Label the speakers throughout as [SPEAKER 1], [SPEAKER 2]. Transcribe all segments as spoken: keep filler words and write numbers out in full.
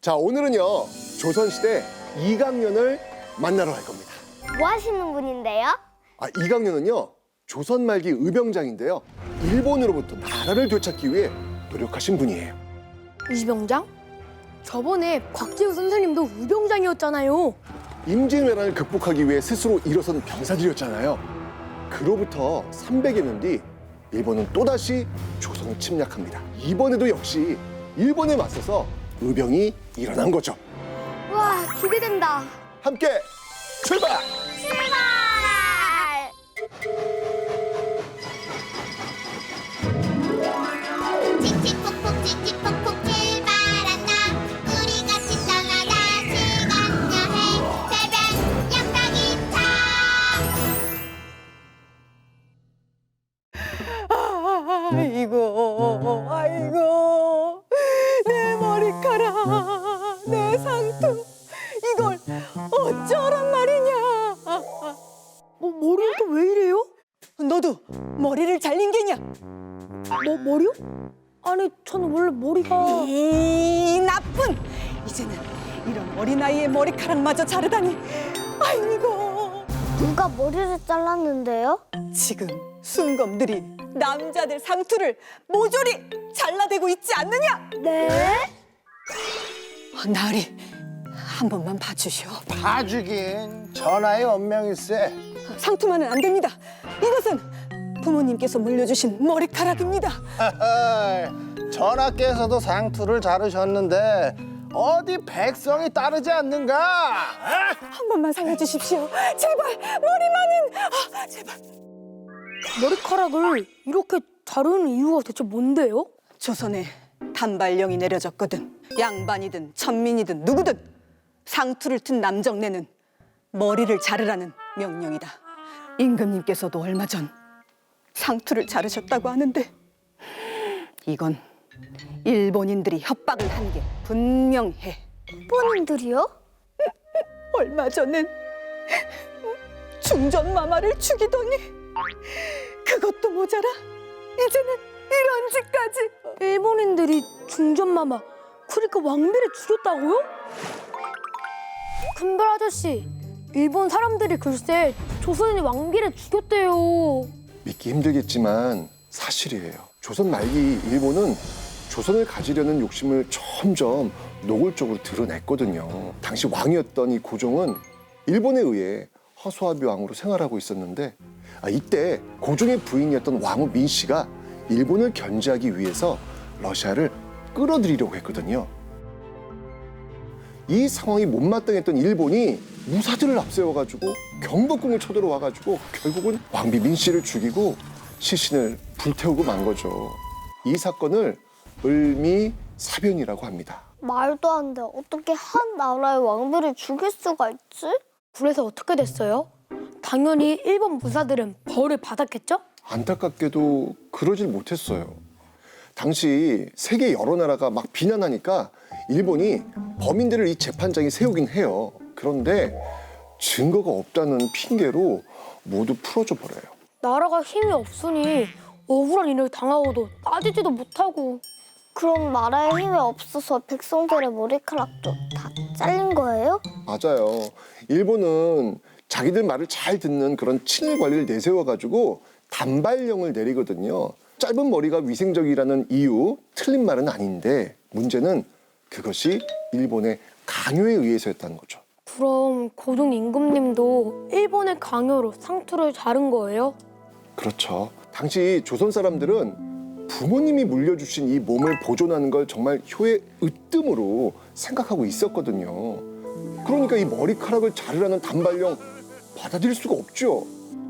[SPEAKER 1] 자, 오늘은요 조선시대 이강년을 만나러 갈 겁니다.
[SPEAKER 2] 뭐 하시는 분인데요?
[SPEAKER 1] 아, 이강년은요 조선 말기 의병장인데요, 일본으로부터 나라를 되찾기 위해 노력하신 분이에요.
[SPEAKER 3] 의병장? 저번에 곽재우 선생님도 의병장이었잖아요.
[SPEAKER 1] 임진왜란을 극복하기 위해 스스로 일어선 병사들이었잖아요. 그로부터 삼백여 년 뒤 일본은 또다시 조선을 침략합니다. 이번에도 역시 일본에 맞서서 의병이 일어난 거죠.
[SPEAKER 2] 와, 기대된다.
[SPEAKER 1] 함께 출발!
[SPEAKER 2] 출발!
[SPEAKER 4] 칙칙폭폭 칙칙폭폭 출발한다. 우리 같이 떠나다 시간 여행 새벽 양탁이차.
[SPEAKER 5] 아이고, 아이고, 내 머리카락, 내 상투, 이걸 어쩌란 말이냐?
[SPEAKER 3] 뭐 머리는 또 왜 이래요?
[SPEAKER 5] 너도 머리를 잘린 게냐?
[SPEAKER 3] 뭐 머리요? 아니 저는 원래 머리가
[SPEAKER 5] 이 나쁜! 이제는 이런 어린 아이의 머리카락마저 자르다니. 아이고,
[SPEAKER 2] 누가 머리를 잘랐는데요?
[SPEAKER 5] 지금 순검들이 남자들 상투를 모조리 잘라대고 있지 않느냐?
[SPEAKER 2] 네?
[SPEAKER 5] 어, 나으리, 한 번만 봐주시오.
[SPEAKER 6] 봐주긴 전하의 언명일세.
[SPEAKER 5] 상투만은 안 됩니다. 이것은 부모님께서 물려주신 머리카락입니다.
[SPEAKER 6] 전하께서도 상투를 자르셨는데 어디 백성이 따르지 않는가?
[SPEAKER 5] 한 번만 살려주십시오. 제발, 머리만은. 아, 제발.
[SPEAKER 3] 머리카락을 이렇게 자르는 이유가 대체 뭔데요?
[SPEAKER 5] 조선에 단발령이 내려졌거든. 양반이든 천민이든 누구든 상투를 튼 남정네는 머리를 자르라는 명령이다. 임금님께서도 얼마 전 상투를 자르셨다고 하는데 이건 일본인들이 협박을 한 게 분명해.
[SPEAKER 2] 일본인들이요?
[SPEAKER 5] 얼마 전엔 중전마마를 죽이더니 그것도 모자라 이제는 이런 짓까지.
[SPEAKER 3] 일본인들이 중전마마 그러니까 왕비를 죽였다고요? 큰별 아저씨, 일본 사람들이 글쎄 조선인이 왕비를 죽였대요.
[SPEAKER 1] 믿기 힘들겠지만 사실이에요. 조선 말기 일본은 조선을 가지려는 욕심을 점점 노골적으로 드러냈거든요. 당시 왕이었던 이 고종은 일본에 의해 허수아비 왕으로 생활하고 있었는데, 아, 이때 고종의 부인이었던 왕후 민씨가 일본을 견제하기 위해서 러시아를 끌어들이려고 했거든요. 이 상황이 못마땅했던 일본이 무사들을 앞세워가지고 경복궁을 쳐들어와가지고 결국은 왕비 민씨를 죽이고 시신을 불태우고 만 거죠. 이 사건을 을미사변이라고 합니다.
[SPEAKER 2] 말도 안 돼. 어떻게 한 나라의 왕비를 죽일 수가 있지?
[SPEAKER 3] 그래서 어떻게 됐어요? 당연히 일본 무사들은 벌을 받았겠죠?
[SPEAKER 1] 안타깝게도 그러질 못했어요. 당시 세계 여러 나라가 막 비난하니까 일본이 범인들을 이 재판장에 세우긴 해요. 그런데 증거가 없다는 핑계로 모두 풀어줘 버려요.
[SPEAKER 3] 나라가 힘이 없으니 억울한 일을 당하고도 따지지도 못하고.
[SPEAKER 2] 그럼 나라에 힘이 없어서 백성들의 머리카락도 다 잘린 거예요?
[SPEAKER 1] 맞아요. 일본은 자기들 말을 잘 듣는 그런 친일 관리를 내세워가지고 단발령을 내리거든요. 짧은 머리가 위생적이라는 이유, 틀린 말은 아닌데 문제는 그것이 일본의 강요에 의해서였다는 거죠.
[SPEAKER 3] 그럼 고종 임금님도 일본의 강요로 상투를 자른 거예요?
[SPEAKER 1] 그렇죠. 당시 조선 사람들은 부모님이 물려주신 이 몸을 보존하는 걸 정말 효의 으뜸으로 생각하고 있었거든요. 그러니까 이 머리카락을 자르라는 단발령 받아들일 수가 없죠.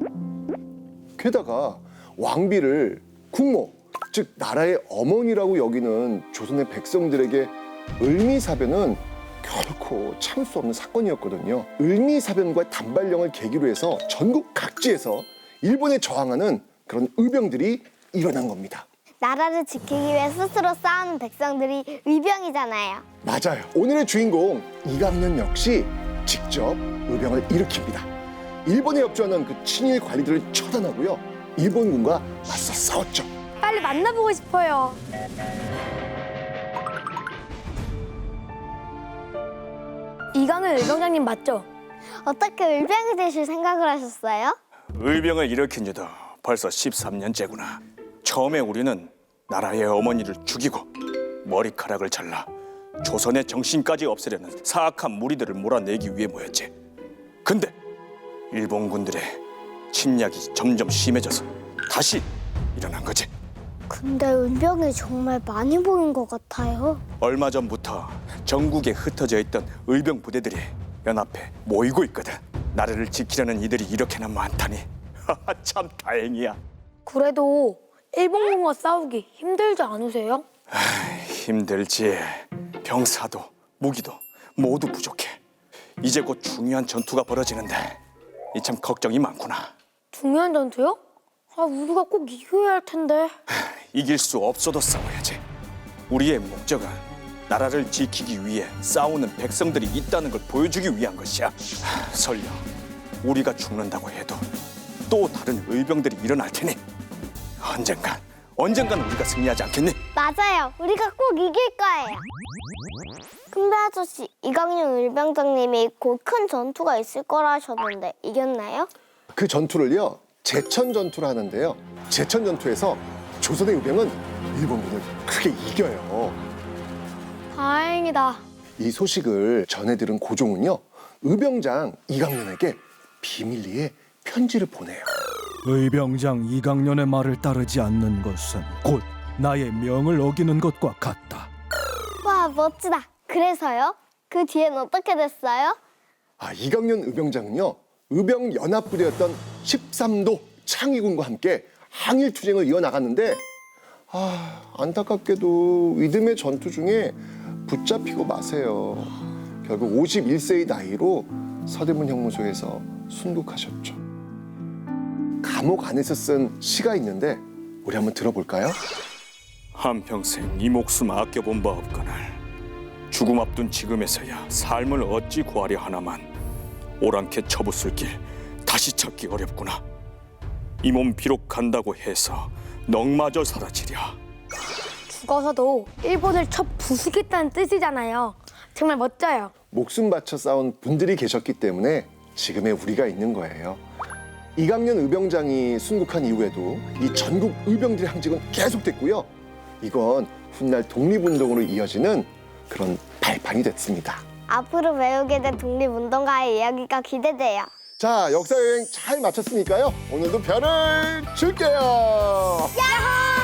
[SPEAKER 1] 게다가 왕비를 국모, 즉 나라의 어머니라고 여기는 조선의 백성들에게 을미사변은 결코 참을 수 없는 사건이었거든요. 을미사변과 단발령을 계기로 해서 전국 각지에서 일본에 저항하는 그런 의병들이 일어난 겁니다.
[SPEAKER 2] 나라를 지키기 위해 스스로 싸우는 백성들이 의병이잖아요.
[SPEAKER 1] 맞아요. 오늘의 주인공 이강년 역시 직접 의병을 일으킵니다. 일본에 협조하는 그 친일 관리들을 처단하고요, 일본군과 맞서 싸웠죠.
[SPEAKER 3] 빨리 만나보고 싶어요. 이강현 의병장님 맞죠?
[SPEAKER 2] 어떻게 의병이 되실 생각을 하셨어요?
[SPEAKER 7] 의병을 일으킨 지도 벌써 십삼 년째구나. 처음에 우리는 나라의 어머니를 죽이고 머리카락을 잘라 조선의 정신까지 없애려는 사악한 무리들을 몰아내기 위해 모였지. 근데 일본군들의 침략이 점점 심해져서 다시 일어난 거지.
[SPEAKER 2] 근데 의병이 정말 많이 보인 것 같아요.
[SPEAKER 7] 얼마 전부터 전국에 흩어져 있던 의병 부대들이 연합해 모이고 있거든. 나라를 지키려는 이들이 이렇게나 많다니 참 다행이야.
[SPEAKER 3] 그래도 일본군과 싸우기 힘들지 않으세요?
[SPEAKER 7] 힘들지. 병사도 무기도 모두 부족해. 이제 곧 중요한 전투가 벌어지는데 이 참 걱정이 많구나.
[SPEAKER 3] 중요한 전투요? 아, 우리가 꼭 이겨야 할 텐데.
[SPEAKER 7] 이길 수 없어도 싸워야지. 우리의 목적은 나라를 지키기 위해 싸우는 백성들이 있다는 걸 보여주기 위한 것이야. 하, 설령 우리가 죽는다고 해도 또 다른 의병들이 일어날 테니 언젠간 언젠간 우리가 승리하지 않겠니?
[SPEAKER 2] 맞아요. 우리가 꼭 이길 거예요. 근데 아저씨, 이강용 의병장님이 곧 큰 전투가 있을 거라 하셨는데 이겼나요?
[SPEAKER 1] 그 전투를요 제천 전투를 하는데요. 제천 전투에서 조선의 의병은 일본군을 크게 이겨요.
[SPEAKER 3] 다행이다.
[SPEAKER 1] 이 소식을 전해 들은 고종은요 의병장 이강년에게 비밀리에 편지를 보내요.
[SPEAKER 8] 의병장 이강년의 말을 따르지 않는 것은 곧 나의 명을 어기는 것과 같다.
[SPEAKER 2] 와, 멋지다. 그래서요? 그 뒤엔 어떻게 됐어요?
[SPEAKER 1] 아, 이강년 의병장은요 의병 연합부대였던 십삼 도 창의군과 함께 항일 투쟁을 이어나갔는데 아, 안타깝게도 이듬해 전투 중에 붙잡히고 마세요. 결국 오십일 세의 나이로 서대문 형무소에서 순국하셨죠. 감옥 안에서 쓴 시가 있는데 우리 한번 들어볼까요?
[SPEAKER 7] 한평생 이 목숨 아껴본 바 없거늘 죽음 앞둔 지금에서야 삶을 어찌 구하려 하나만 오랑캐 처부술 길 다시 찾기 어렵구나. 이 몸 비록 간다고 해서 넋마저 사라지랴.
[SPEAKER 3] 죽어서도 일본을 쳐 부수겠다는 뜻이잖아요. 정말 멋져요.
[SPEAKER 1] 목숨 바쳐 싸운 분들이 계셨기 때문에 지금의 우리가 있는 거예요. 이강년 의병장이 순국한 이후에도 이 전국 의병들의 항쟁은 계속됐고요. 이건 훗날 독립운동으로 이어지는 그런 발판이 됐습니다.
[SPEAKER 2] 앞으로 배우게 된 독립운동가의 이야기가 기대돼요.
[SPEAKER 1] 자, 역사 여행 잘 마쳤으니까요. 오늘도 별을 줄게요.
[SPEAKER 2] 야호!